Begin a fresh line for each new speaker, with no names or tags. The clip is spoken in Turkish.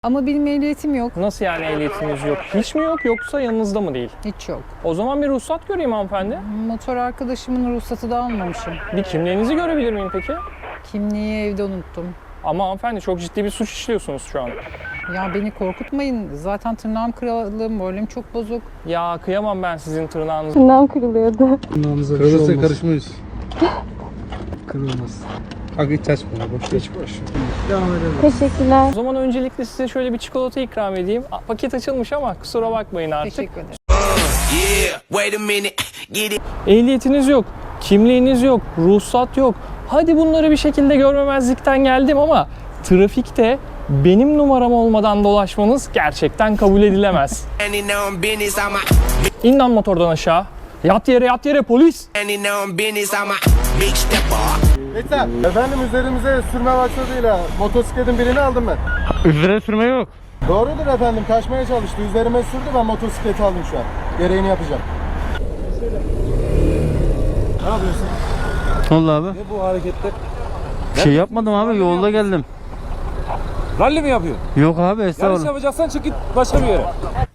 Ama benim ehliyetim yok.
Nasıl yani ehliyetiniz yok? Hiç mi yok yoksa yanınızda mı değil?
Hiç yok.
O zaman bir ruhsat göreyim hanımefendi.
Motor arkadaşımın ruhsatı da almamışım.
Bir kimliğinizi görebilir miyim peki?
Kimliği evde unuttum.
Ama hanımefendi çok ciddi bir suç işliyorsunuz şu an.
Ya beni korkutmayın. Zaten tırnağım kırıldı, moralim çok bozuk.
Ya kıyamam ben sizin tırnağınızı.
Tırnağım kırılıyordu.
Kırılırsa karışmayız. Kırılmaz. Kanka hiç açma ya, boş ver. Hiç boş. Devam edelim.
Teşekkürler.
O zaman öncelikle size şöyle bir çikolata ikram edeyim. Paket açılmış ama kusura bakmayın artık.
Teşekkür ederim.
Ehliyetiniz yok, kimliğiniz yok, ruhsat yok. Hadi bunları bir şekilde görmemezlikten geldim ama trafikte benim numaram olmadan dolaşmanız gerçekten kabul edilemez. İn lan motordan aşağı. Yat yere polis.
Yeter. Efendim üzerimize sürme başladığıyla motosikletin birini aldım ben.
Üzerine sürme yok.
Doğrudur efendim, kaçmaya çalıştı. Üzerime sürdü, ben motosikleti aldım şu an. Gereğini yapacağım. Ne yapıyorsun?
Ne oldu abi?
Ne bu hareketler?
Bir şey yapmadım abi, yolda geldim.
Ralli mi yapıyorsun?
Yok abi,
Yarış
estağfurullah.
yapacaksan çık git başka bir yere.